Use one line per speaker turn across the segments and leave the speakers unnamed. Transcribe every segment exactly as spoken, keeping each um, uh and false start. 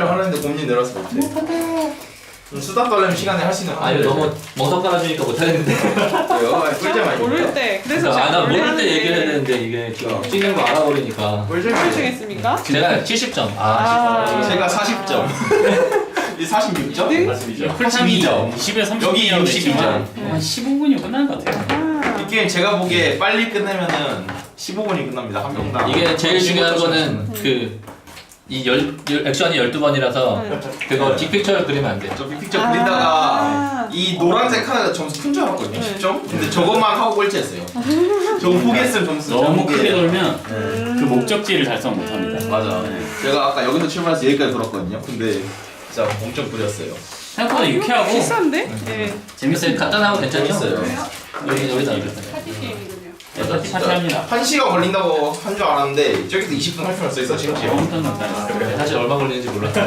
하려는데 고민이 늘어서 못해. 좀 수다 떨려면 시간에 할 수 있는.
아 이거 너무 멍석 깔아주니까 못하겠는데.
왜요? 꿀잼
모를
아닙니까?
때 그래서 제가
아나
원래
모를 때
하는데
얘기를 해야 되는데 이게 지금 찍는 거 알아버리니까.
꿀잼
몇 중했습니까?
제가 칠십 점. 아,
아.
제가 사십 점. 이 사십육 점?
네?
팔십이 점.
십에 삼십
여기 육십이 점.
한 십오 분이면 끝날 것 같아요.
아.
이 게임 제가 보기에 빨리 끝내면은 십오 분이 끝납니다. 한 명당.
이게 제일 중요한
십오 점
거는 그 이 열, 열 액션이 열두 번이라서
네.
그거 빅픽처를 그리면 안 돼.
저 빅픽처
아.
그리다가 이 노란색 하나가 점수 큰 줄 알았거든요.
네.
십 점? 근데 저것만 하고 꼴찌했어요. 저거 포기했으면 점수
너무
잘못
크게
포기해요.
돌면
네.
그 목적지를 달성 못합니다.
맞아. 제가 아까 여기서 출발해서 여기까지 돌았거든요. 근데 진짜 엄청 부렸어요.
생각보다 유쾌하고
비싼데? 네.
재밌어요.
간단하고 괜찮죠?
재밌어요.
여기 여기다 여기다.
파티 게임이군요.
네, 파티 파티 합니다.
한 시간 걸린다고 한 줄 알았는데 저기서 이십 분 할 필요 없어 있어 심지어.
엄청 간단해요.
사실 얼마 걸리는지 몰랐어.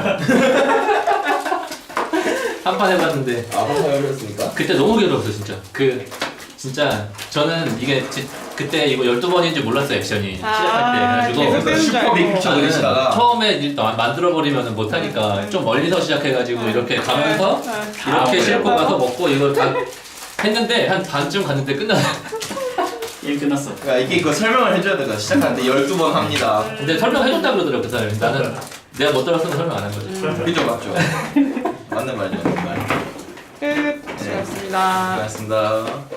한 판 해봤는데
아, 한번 해보셨습니까?
그때 너무 괴로웠어 진짜. 그 진짜 저는 이게 지, 그때 이거 열두 번인지 몰랐어 액션이
아,
시작할 때.
계속
그래가지고
되는 줄
슈퍼
알고.
빅픽처
저는
그리시다가
처음에 일단 만들어버리면 못하니까 좀 멀리서 시작해가지고 이렇게 가면서
네.
이렇게
아,
싣고
그래요?
가서 먹고 이걸 다 했는데 한 반쯤 갔는데 끝나.
게임 끝났어.
그러니까 이게 그 설명을 해줘야 돼요. 시작하는데 열두 번 합니다.
근데 설명해준다 그러더라고 그 사람이. 나는 내가 못 들었으면 설명 안 한 거지.
그죠 맞죠? 맞는 말이죠. 맞는 말.
끝. 수고하셨습니다.
고맙습니다.